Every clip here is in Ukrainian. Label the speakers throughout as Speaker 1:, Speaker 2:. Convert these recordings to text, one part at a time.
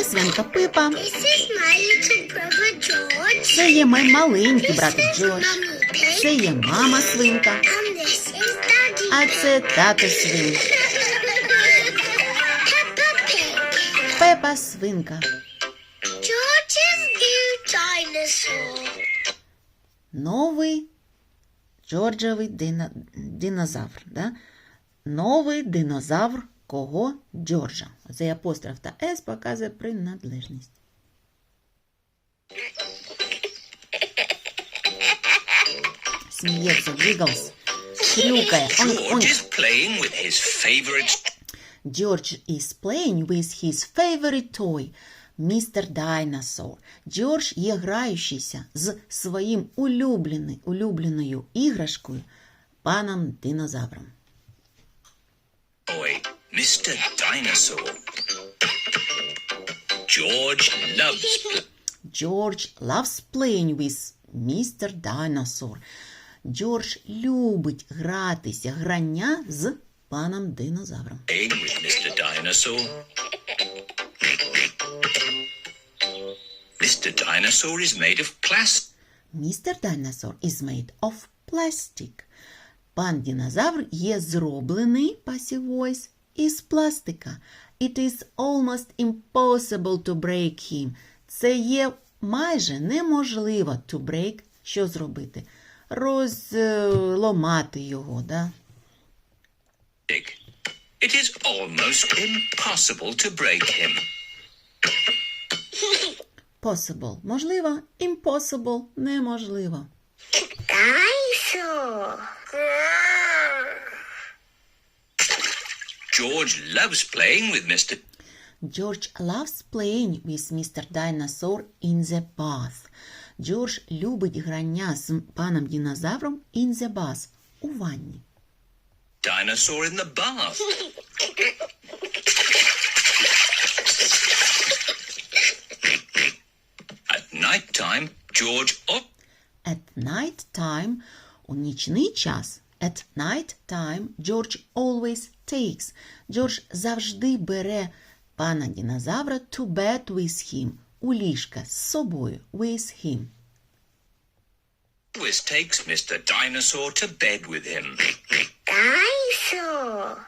Speaker 1: свинка Пипа.
Speaker 2: This is my little brother George.
Speaker 1: Це є мій маленький
Speaker 2: This
Speaker 1: братик
Speaker 2: is
Speaker 1: Джордж.
Speaker 2: Mummy Pig.
Speaker 1: Це є мама свинка.
Speaker 2: And this is Daddy
Speaker 1: А
Speaker 2: Pig.
Speaker 1: це тато свин.
Speaker 2: Peppa Pig.
Speaker 1: Пепа свинка.
Speaker 2: George's new dinosaur.
Speaker 1: Новий Джорджовий динозавр. Да? Новий динозавр кого? Джорджа. Оцей апостроф та «с» показує приналежність. Сміється, Джиглс. Хрюкає.
Speaker 3: George is playing with his favorite
Speaker 1: George is playing with his favorite toy, Mr. Dinosaur. Джордж є граючийся з своїм улюбленою іграшкою, паном динозавром.
Speaker 3: toy, Mr. Dinosaur.
Speaker 1: George loves playing with Mr. Dinosaur. Джордж любить гратися, грання з паном динозавром.
Speaker 3: playing with Mr. Dinosaur. Mr. Dinosaur is made of plastic.
Speaker 1: Mr. Dinosaur is made of plastic. Пан динозавр є зроблений, passive voice, із пластика. It is almost impossible to break him. Це є майже неможливо to break, що зробити? Розламати його, да?
Speaker 3: It is almost impossible to break him.
Speaker 1: Possible – можливо, impossible – неможливо.
Speaker 2: Dinosaur.
Speaker 3: George loves playing with Mr.
Speaker 1: George loves playing with Mr. Dinosaur in the bath. Джордж любить грання з паном динозавром in the bath – у ванні.
Speaker 3: Dinosaur in the bath. At night time, George
Speaker 1: At night time – у нічний час. At night time George always takes. Джордж завжди бере пана динозавра to bed with him. У ліжка з собою. With him.
Speaker 3: always takes Mr. Dinosaur to bed with him.
Speaker 2: Dinosaur.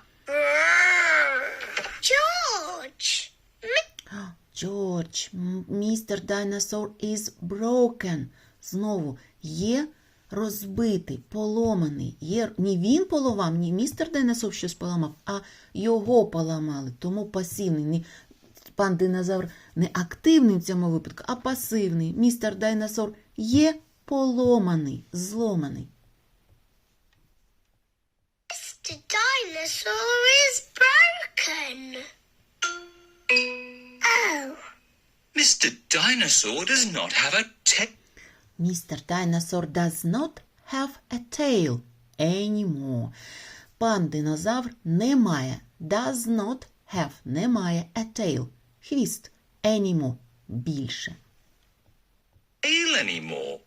Speaker 2: George.
Speaker 1: George, Mr. Dinosaur is broken. Знову є розбитий, поломаний. Є не він поламав, не містер Дайносор щось поламав, а його поламали. Тому пасивний. Не, пан динозавр не активний в цьому випадку, а пасивний. Містер Дайносор є поломаний, зломаний.
Speaker 2: The dinosaur is broken. Oh.
Speaker 3: Mr. Dinosaur does not have a tail.
Speaker 1: Mr. Dinosaur does not have a tail anymore. Пан динозавр не має, does not have, не має a tail, хвіст, anymore, більше.
Speaker 3: Anymore.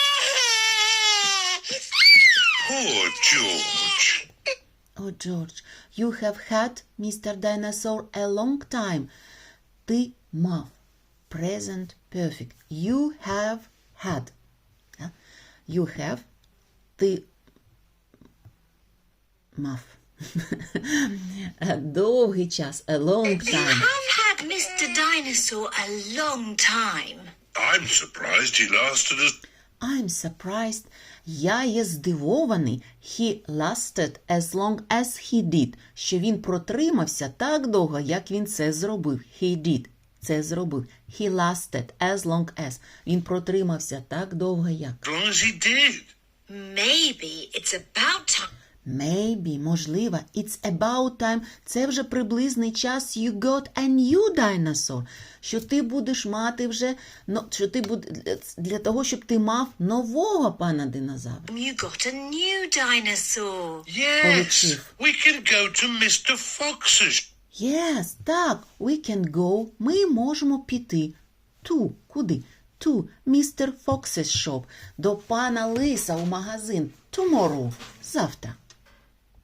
Speaker 3: Poor George.
Speaker 1: Oh, George, you have had Mr. Dinosaur a long time. Ти мав. Present perfect. You have had. You have. Ти мав. Довгий час. A long
Speaker 4: You
Speaker 1: time.
Speaker 4: have had Mr. Dinosaur a long time.
Speaker 3: I'm surprised he lasted as...
Speaker 1: I'm surprised. Я є здивований. He lasted as long as he did. Що він протримався так довго, як він це зробив. He did. Це зробив. He lasted as long as. Він протримався так довго, як.
Speaker 3: As long as he did.
Speaker 4: Maybe it's about time.
Speaker 1: Maybe, можливо. It's about time. Це вже приблизний час. You got a new dinosaur. Що ти будеш мати вже, що ти для того, щоб ти мав нового пана динозавра.
Speaker 4: You got a new dinosaur.
Speaker 3: Yes.
Speaker 1: Получив.
Speaker 3: We can go to Mr. Fox's.
Speaker 1: Yes, так, we can go. Ми можемо піти. To, куди? To Mr. Fox's shop. До пана Лиса у магазин. Tomorrow. Завтра.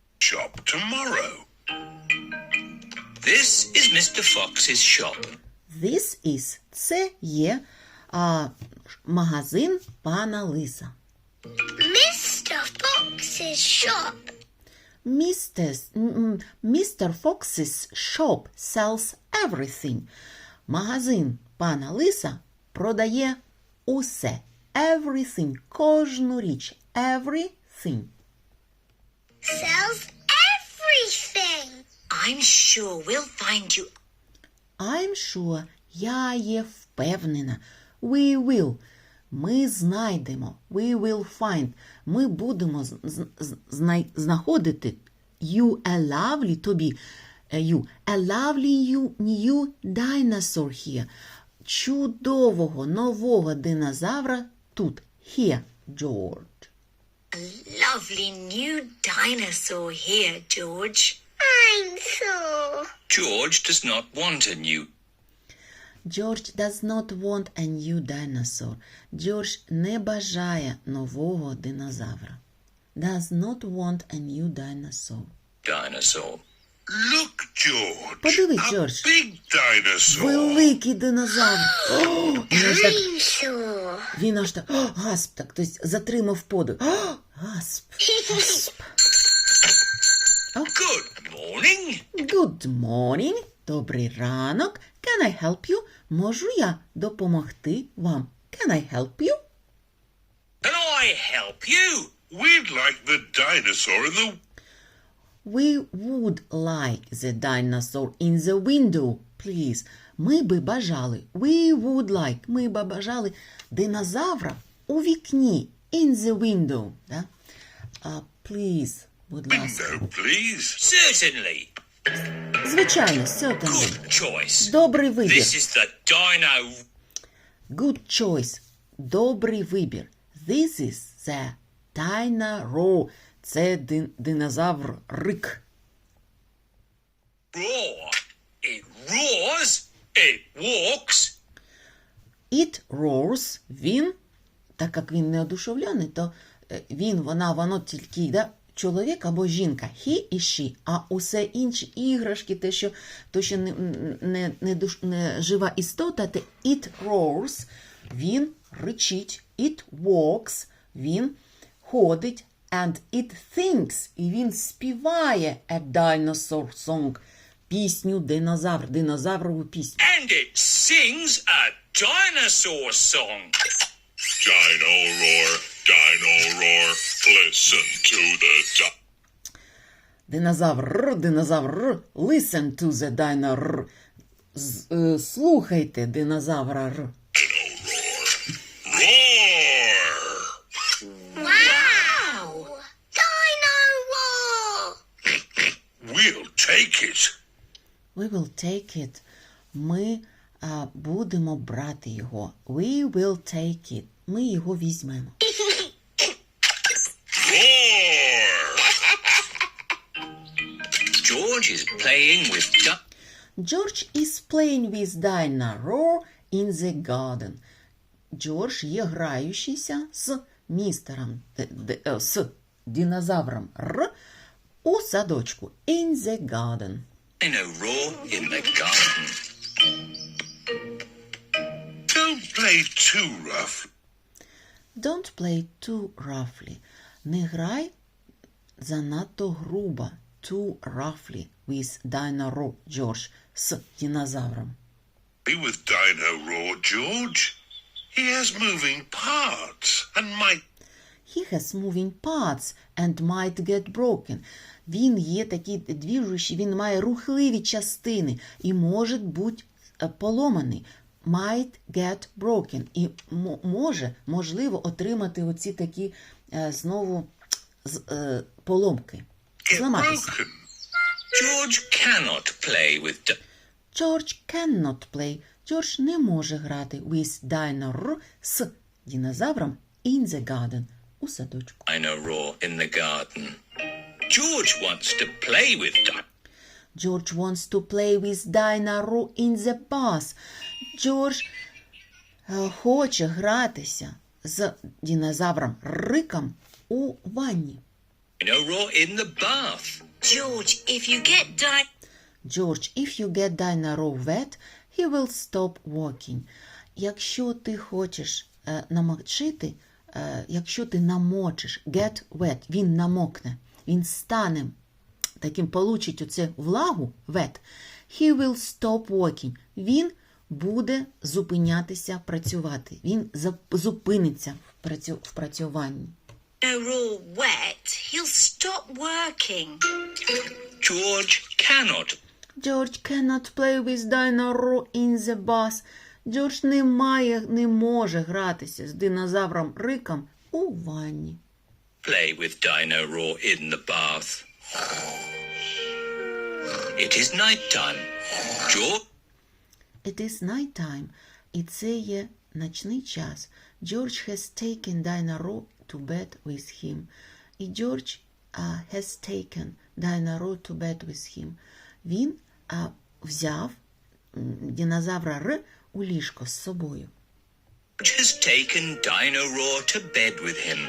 Speaker 3: Shop tomorrow. This is Mr. Fox's shop.
Speaker 1: This is – це є магазин пана Лиса.
Speaker 2: Mr. Fox's shop.
Speaker 1: Mr. Fox's shop sells everything. Магазин пана Лиса продає усе. Everything. Кожну річ. Everything.
Speaker 2: Sells everything.
Speaker 4: I'm sure we'll find you.
Speaker 1: I'm sure. Я є впевнена. We will. Ми знайдемо. We will find. Ми будемо знаходити you a lovely, тобі, you, a lovely new dinosaur here. Чудового, нового динозавра тут. Here, George.
Speaker 4: A lovely new dinosaur here, George.
Speaker 2: I'm so.
Speaker 3: George does not want a new.
Speaker 1: George does not want a new dinosaur. George не бажає нового динозавра. Does not want a new dinosaur.
Speaker 3: Dinosaur.
Speaker 5: Look, George.
Speaker 1: Подивись,
Speaker 5: a
Speaker 1: Джордж.
Speaker 5: big dinosaur.
Speaker 1: Великий динозавр.
Speaker 2: Dinosaur.
Speaker 1: Він аж так, гасп, так, тобто затримав подих. Гасп.
Speaker 3: Good morning.
Speaker 1: Good morning. Добрий ранок. Can I help you? Можу я допомогти вам? Can I help you?
Speaker 3: Can I help you?
Speaker 5: We'd like the dinosaur in the...
Speaker 1: We would like the dinosaur in the window, please. Ми би бажали. We would like. Ми би бажали динозавра у вікні. In the window. Да? Please, будь ласка.
Speaker 5: Window, please.
Speaker 3: Certainly.
Speaker 1: Звичайно, certainly.
Speaker 3: Good choice.
Speaker 1: Добрий вибір.
Speaker 3: This is the dino.
Speaker 1: Good choice. Добрий вибір. This is the dino. Це динозавр рик.
Speaker 3: Roar. It roars. It walks.
Speaker 1: It roars. Він, так як він не одушевлений, то він, вона, воно тільки, да, чоловік або жінка. He і she. А усе інші іграшки, те, що не жива істота, те it roars. Він ричить. It walks. Він ходить. And it thinks. І він співає a dinosaur song. Пісню динозавр. Динозаврову пісню.
Speaker 3: And it sings a dinosaur song.
Speaker 5: Dino roar, listen to the...
Speaker 1: Динозавр. Listen to the dino. Слухайте динозавра.
Speaker 5: Roar!
Speaker 2: Wow. Dino roar.
Speaker 5: We'll take it.
Speaker 1: We will take it. Ми будемо брати його. We will take it. Ми його візьмемо.
Speaker 5: Roar!
Speaker 3: George is playing with
Speaker 1: George is playing with dinosaur in the garden. Джордж є граючийся з містером, з динозавром Р у садочку. In the garden.
Speaker 3: dino in the garden.
Speaker 5: Don't play too rough.
Speaker 1: Don't play too roughly. Не грай занадто грубо. Too roughly with dinosaur, George, з динозавром.
Speaker 5: Be with Dino Roar, George. He has moving parts and might...
Speaker 1: He has moving parts and might get broken. Він є такий двіжущий, він має рухливі частини і може бути поломаний. Might get broken. І можливо, отримати оці такі знову поломки. Зламатися.
Speaker 5: Broken.
Speaker 3: George cannot play with
Speaker 1: George cannot play. George не може грати with dinosaur з динозавром in the garden у садочку.
Speaker 3: dino in the garden. George wants to play with
Speaker 1: George wants to play with dinosaur in the bath. George хоче гратися з динозавром Риком у ванні.
Speaker 3: dino in the bath.
Speaker 4: George, if you get
Speaker 1: George, if you get dinosaur wet, he will stop walking. Якщо ти хочеш намочити, якщо ти намочиш, get wet, він намокне, він стане таким, получить оце влагу, wet, he will stop walking. Він буде зупинятися працювати. Він зупиниться в працюванні.
Speaker 4: Raw wet, he'll stop working.
Speaker 3: George cannot.
Speaker 1: George cannot play with Dino in the bus. Джордж не може гратися з динозавром Риком у ванні.
Speaker 3: Play with Dino Raw in the bath. It is night time. George
Speaker 1: It is night time. І це є ночний час. George has taken Dino Raw to bed with him. І George has taken Dino Raw to bed with him. Він взяв динозавра Р у ліжко з собою.
Speaker 3: has taken Dino Raw to bed with him.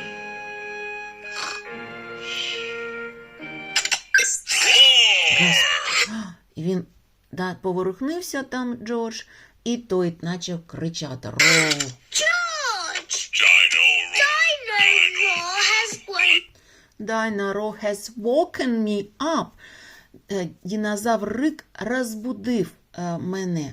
Speaker 1: І він поворухнився там, Джордж, і той почав кричати. Роу.
Speaker 2: George!
Speaker 5: Dino Raw.
Speaker 2: Dino Raw has
Speaker 1: Dino Raw has
Speaker 2: woken
Speaker 1: woken me up. Динозавр Рик розбудив мене.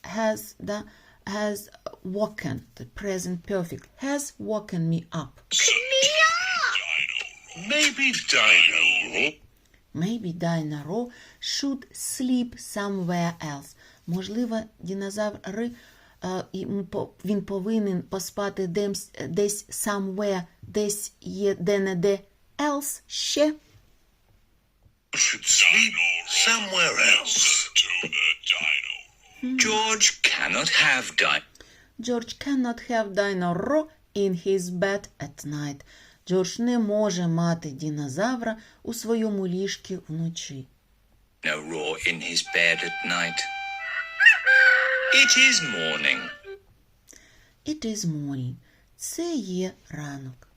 Speaker 1: Has woken, the present perfect, has woken me up.
Speaker 2: me up.
Speaker 5: Maybe Dino Raw.
Speaker 1: Maybe Dino Raw should sleep somewhere else. Можливо, динозавр Ри, він повинен поспати десь somewhere, десь є де-не-де, else ще.
Speaker 5: Should sleep somewhere else.
Speaker 3: George cannot have Dino.
Speaker 1: George cannot have Dino Raw in his bed at night. Джордж не може мати динозавра у своєму ліжку вночі.
Speaker 3: Raw in his bed at night. It is morning.
Speaker 1: It is morning. Це є ранок.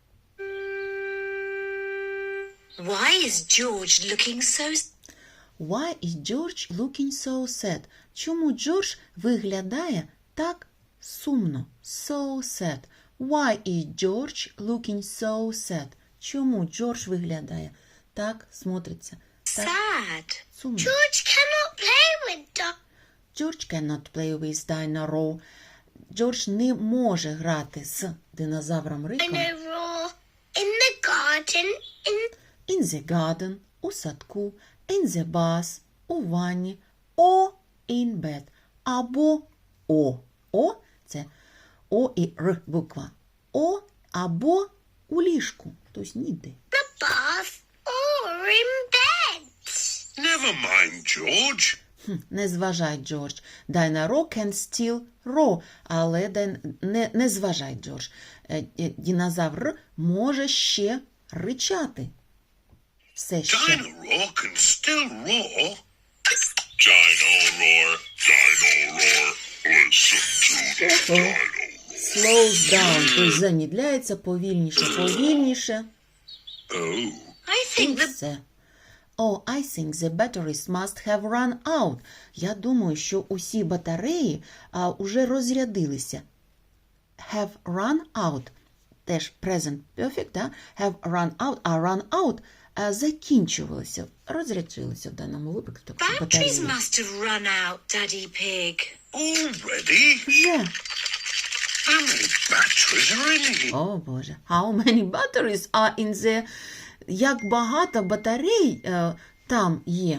Speaker 4: Why is George looking so...
Speaker 1: Why is George looking so sad? Чому Джордж виглядає так сумно? So sad. Why is George looking so sad? Чому Джордж виглядає так, смотриться так
Speaker 4: sad?
Speaker 1: сумно?
Speaker 2: George cannot play with
Speaker 1: George cannot play with Dino Raw. Джордж не може грати з динозавром Риком
Speaker 2: Dino Raw in the garden.
Speaker 1: in the garden, у садку, in the bus, у ванні, or in bed, або о. О – це О і Р буква. О або у ліжку, тобто ніде.
Speaker 2: The bath or in bed.
Speaker 5: Never mind, George.
Speaker 1: Не зважай, Джордж. Dino Raw can still roar, але не зважай, Джордж. Динозавр може ще ричати. Все ще.
Speaker 5: Dino Raw can still roar. Dino Roar, Dino Roar, listen to Dino Roar.
Speaker 1: Slows down, тобто замідляється повільніше.
Speaker 5: Oh,
Speaker 4: I
Speaker 1: І
Speaker 4: think the...
Speaker 1: все. Oh, I think the batteries must have run out. Я думаю, що усі батареї уже розрядилися. Have run out. Теж present perfect, да? Have run out, а run out закінчувалися, розрядилися в даному випадку.
Speaker 4: batteries
Speaker 1: Батареї.
Speaker 4: must have run out, Daddy Pig.
Speaker 5: already?
Speaker 1: Вже.
Speaker 5: How many batteries are in here?
Speaker 1: О, Боже. How many batteries are in the... Як багато батарей там є?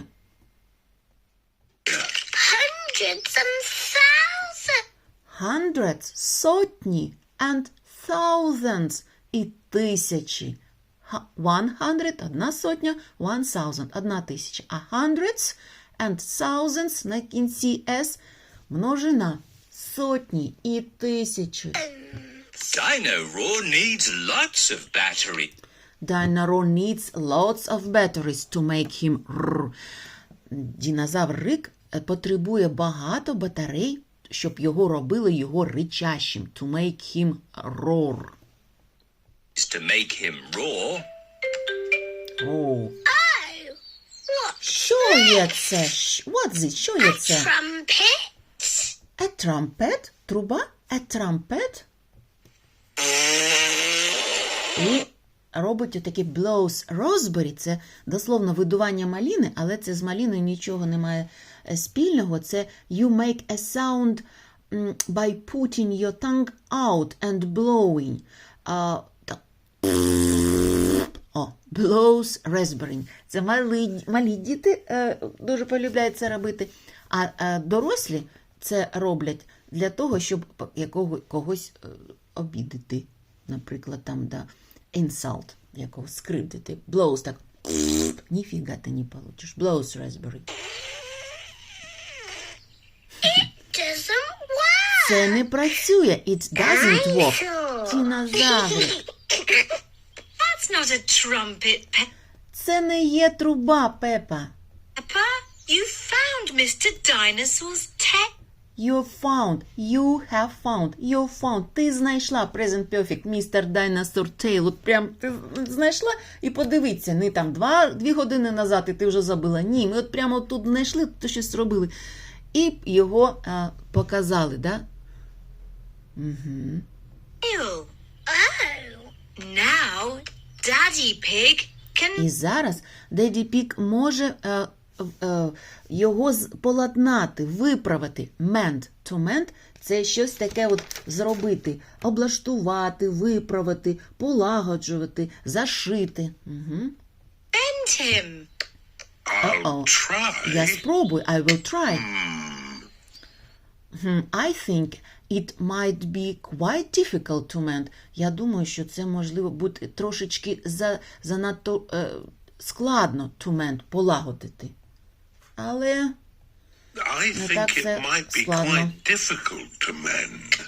Speaker 2: Hundreds and thousands.
Speaker 1: Hundreds, сотні, and thousands, і тисячі. 100, одна сотня, 1000, одна тисяча. А hundreds and thousands на кінці S множина. Сотні і тисячі.
Speaker 3: Dino Raw needs lots of battery.
Speaker 1: Dino Raw needs lots of batteries to make him roar. Динозавр Рик потребує багато батарей, щоб його робили його ричащим. To make him roar.
Speaker 3: To make him roar,
Speaker 1: О,
Speaker 2: Oh, what?
Speaker 1: що є це? What's it? Що є це?
Speaker 2: Trumpets.
Speaker 1: A trumpet, труба, a trumpet. І робить отакі blows raspberry, це дословно видування маліни, але це з маліною нічого не має спільного. Це you make a sound by putting your tongue out and blowing. Так. Blows raspberry. Це малі діти дуже полюбляють це робити, а дорослі це роблять для того, щоб когось обідати. Наприклад, там, да, insult, якогось скривдити. Blows, так, ніфіга ти не получиш. Blows raspberry.
Speaker 2: Doesn't work.
Speaker 1: Це не працює. It doesn't work. Динозаври.
Speaker 4: That's not a trumpet,
Speaker 1: Це не є труба, Пепа.
Speaker 4: Peppa. You found Mr. Dinosaur's tail.
Speaker 1: You have found. Ти знайшла present perfect, Mr. Dinosaur Tail. От прям ти знайшла і подивіться, не там 2 години назад і ти вже забула. Ні, ми от прямо тут знайшли, то щось зробили. І його показали, да? Угу.
Speaker 4: Oh. Now, Daddy Pig can
Speaker 1: І зараз Деді Пік може його поладнати, виправити. Mend. To mend – це щось таке от зробити. Облаштувати, виправити, полагоджувати, зашити. Угу.
Speaker 4: bend him.
Speaker 5: I'll try.
Speaker 1: Я спробую. I will try. I think it might be quite difficult to mend. Я думаю, що це можливо бути трошечки занадто складно to mend, полагодити. Але
Speaker 5: I
Speaker 1: Ну,
Speaker 5: think
Speaker 1: так
Speaker 5: it
Speaker 1: це
Speaker 5: might be
Speaker 1: складно.
Speaker 5: quite difficult to mend.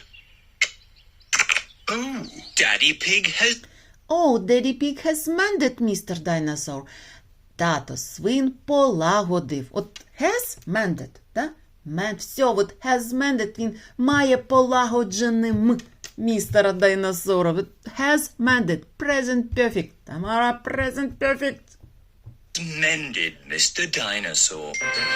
Speaker 5: Oh,
Speaker 3: Daddy Pig has
Speaker 1: Oh, Daddy Pig has mended, Mr. Dinosaur. Тато свин полагодив. От has mended, да? Все, от has mended, він має полагодженим містера Дайносора. От has mended, present perfect. Тамара, present perfect.
Speaker 3: mended Mr. Dinosaur.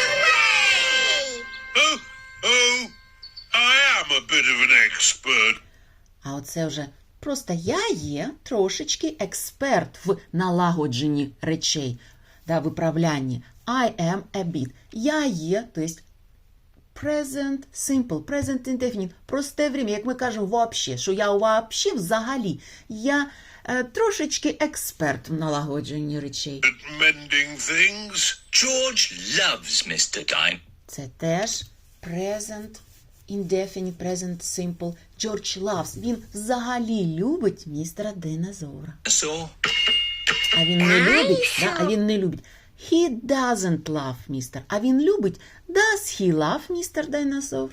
Speaker 5: oh, I am a bit of an expert.
Speaker 1: А оце вже просто я є трошечки експерт в налагодженні речей, да, виправлянні. I am a bit. Я є, то есть present simple, present indefinite, просте время, як ми кажемо вообще, що я вообще взагалі. Я трошечки експерт в налагодженні речей.
Speaker 5: At mending things.
Speaker 3: George loves Mr. Dinosaur.
Speaker 1: Це теж present indefinite, present simple. George loves. Він взагалі любить містера Динозавра. А він не любить, да? А він не любить. He doesn't love Mr. А він любить. Does he love Mr. Dinosaur?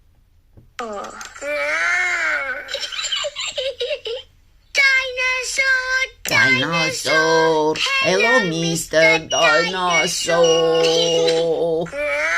Speaker 2: Dinosaur.
Speaker 1: Dinosaur. Hello, Mr. Dinosaur.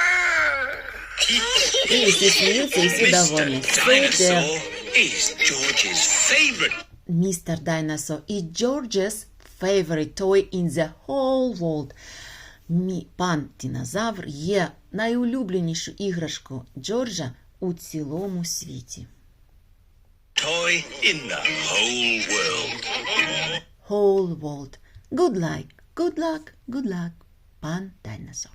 Speaker 1: І всі сміються, і всі довольні.
Speaker 3: Mr. Dinosaur is George's favorite.
Speaker 1: Mr. Dinosaur is George's favorite toy in the whole world. Пан Динозавр є найулюбленішою іграшкою Джорджа у цілому світі.
Speaker 3: Toy in the whole world.
Speaker 1: Whole world. Good luck, good luck, good luck. Пан Динозавр.